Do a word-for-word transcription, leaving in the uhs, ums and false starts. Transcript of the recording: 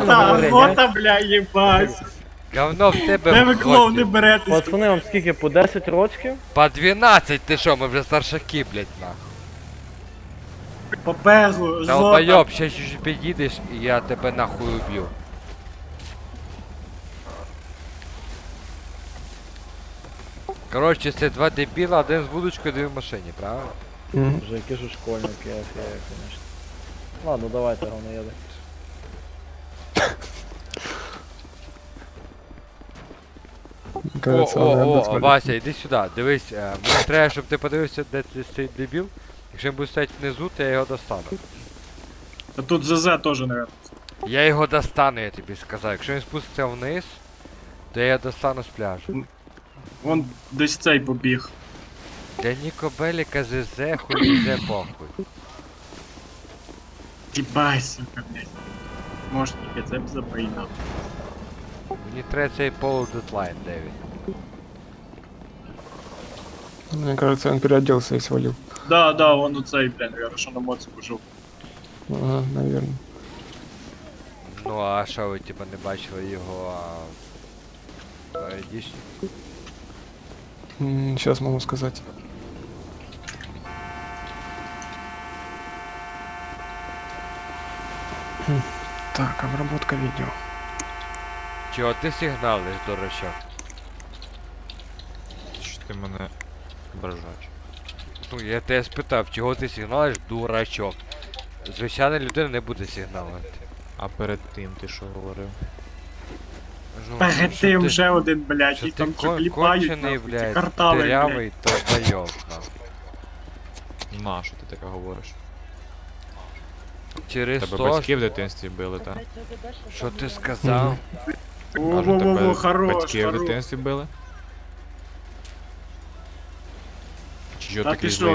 охота, бля, їбать. Говно в тебе Де ви в клоуни готі. беретесь? Пацани, вам скільки, по десять рочків? По дванадцять ти що, ми вже старшаки, блядь, нахуй. По пегу, жопа. Долбойоб, ще чуть підійдеш і я тебе нахуй уб'ю. Коротше, це два дебіла, один з вудочкою, один в машині, правильно? Вже які ж школьники, я конечно. Ладно, давайте, говноєди. О, Кажется, о, надо о, смотреть. Вася, іди сюди, дивись, е, мені треба, щоб ти подивився, де ти стоїть дебіл. Якщо він буде стояти внизу, то я його достану. А тут ЗЗ теж, наверное. Я його достану, я тобі сказав. Якщо він спуститься вниз, то я його достану з пляжу. Вон десь цей побіг. Для Ніко Беліка ЗЗ, хуй ЗЗ похуй. Їбай, сука, блядь. Може, тільки це б заприйняв. Мені треба цей полу дедлайн, де він. Мне кажется, он переоделся и свалил. Да, да, вон у цей, блядь, наверное, що на моцику жив. Ага, наверное. Ну а що ви типа не бачили його, а... Айдішні? Сейчас могу сказать. Хм. Так, обработка видео. Чого ти сигналиш, дурачок? Що ти мене ображаєш? Ну я тебе спитав, чого ти сигналиш, дурачок? Звичайна людина не буде сигналити. А перед тим ти що говорив? Ну, Перед що тим ти- вже один, блядь, Що і ти там кон- кліпають, кончений, нахуй, ці блядь, картали, блядь. дырявий долбойоб, нахуй. На, що ти таке говориш? Через Тебе то, батьки в дитинстві били, так? що ти сказав, Во-во-во, хорош, батьки в хорош. дитинстві били? Чи що Та такий ти злий